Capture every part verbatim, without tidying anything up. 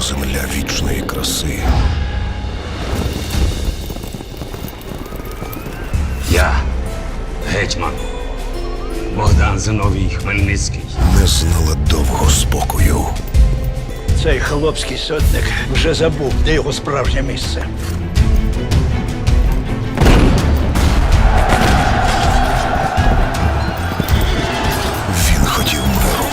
земля вічної краси. Я гетьман Богдан Зиновій Хмельницький. Не знала довго спокою. Цей хлопський сотник вже забув, де його справжнє місце. Він хотів миру.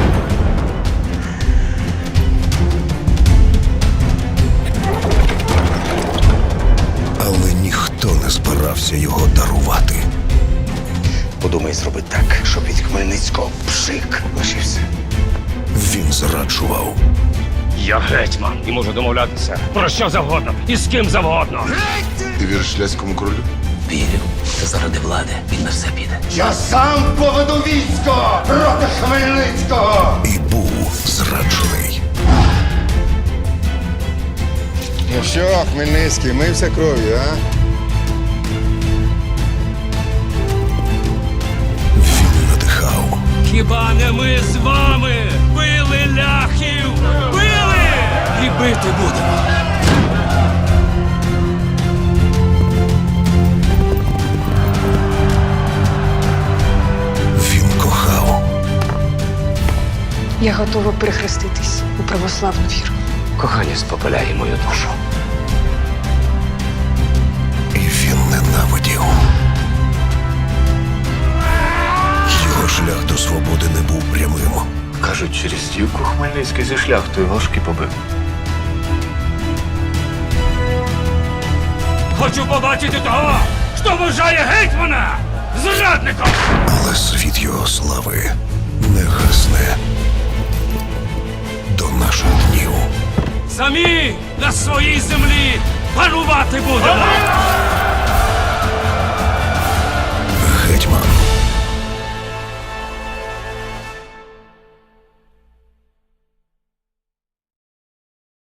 Але ніхто не збирався його дарувати. Подумай зробити так, щоб від Хмельницького пшик лишився. Він зраджував. Я гетьман і можу домовлятися про що завгодно і з ким завгодно. Ти віриш ляському королю? Вірю, що заради влади він на все піде. Я сам поведу військо проти Хмельницького! І був зраджений. Ну що, Хмельницький, мився кров'ю, а? Він надихав. Хіба не ми з вами били ляхів? Били! І бити будемо. Він кохав. Я готова перехреститись у православну віру. Кохання спопиляє мою душу. І він ненавидів. Його шлях до свободи не був прямим. Кажуть, через стівку Хмельницький зі шляхтою ложки побив. Хочу побачити того, хто вважає гетьмана зрадником. Але світ його слави не гасне до наших днів. Самі на своїй землі панувати будемо. Гетьман